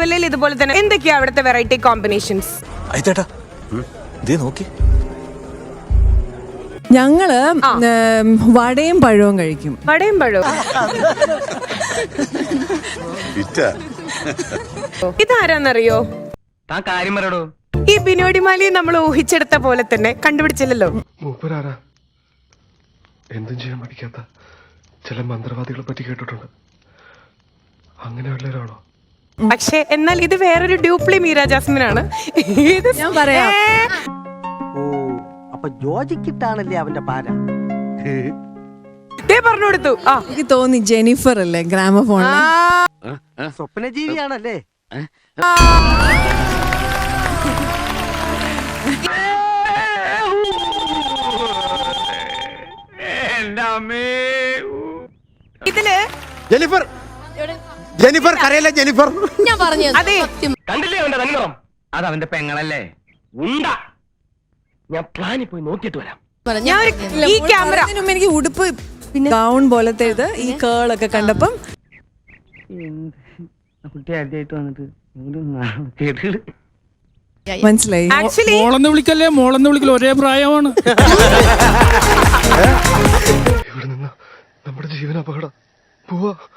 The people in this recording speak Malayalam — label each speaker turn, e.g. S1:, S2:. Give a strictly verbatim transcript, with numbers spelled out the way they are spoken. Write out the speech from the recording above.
S1: തിരുവല്ലയിൽ ഇതുപോലെ തന്നെ എന്തൊക്കെയാ അവിടുത്തെ വെറൈറ്റി കോമ്പിനേഷൻസ്?
S2: നോക്കി
S3: ഞങ്ങള് വടയും പഴവും കഴിക്കും.
S1: വടയും പഴവും. ഇതാരാന്നറിയോ? ഈ ബിനോടിമാലി നമ്മൾ ഊഹിച്ചെടുത്ത പോലെ തന്നെ കണ്ടുപിടിച്ചില്ലല്ലോ.
S4: മൂപ്പരാരാ? എന്തും ചെയ്യാൻ പഠിക്കാത്ത ചില മന്ത്രവാദികളെ പറ്റി കേട്ടിട്ടുണ്ട്. അങ്ങനെ വല്ലവരാണോ?
S1: പക്ഷെ എന്നാൽ ഇത് വേറൊരു ഡ്യൂപ്ലി മീര ജാസ്മിൻ ആണ്.
S3: ഞാൻ പറയാം.
S5: അപ്പൊ ജോജിക്കിട്ടാണല്ലേ അവന്റെ പാര.
S1: പറഞ്ഞു കൊടുത്തു. ആ
S3: എനിക്ക് തോന്നി ജെനിഫർ അല്ലേ ഗ്രാമഫോൺ.
S5: സ്വപ്നജീവിയാണല്ലേ?
S1: ഇതില്
S6: ജെനിഫർ ജെനിഫർ കരയല്ലേ ജെനിഫർ.
S7: ഞാൻ പറഞ്ഞു
S1: അതെ,
S8: കണ്ടില്ലേ അവന്റെ തന്നിറം? അത് അവന്റെ പെങ്ങളല്ലേ ഉണ്ട. ഞാൻ പ്ലാനിൽ പോയി നോക്കിയിട്ട് വരാം.
S1: ഞാൻ ഈ ക്യാമറ
S3: എനിക്ക് ഉടുപ്പ് ഗൗൺ പോലത്തെ ഇത് ഈ കേളൊക്കെ കണ്ടപ്പം
S8: കുട്ടി ആദ്യമായിട്ട് വന്നിട്ട്
S3: മനസ്സിലായി.
S1: ആക്ച്വലി
S9: മോളെന്ന് വിളിക്കല്ലേ മോളെന്ന് വിളിക്കല് ഒരേ പ്രായമാണ്.
S4: ഇവിടെ നിന്ന് നമ്മുടെ ജീവൻ അപകടം. പോവാ.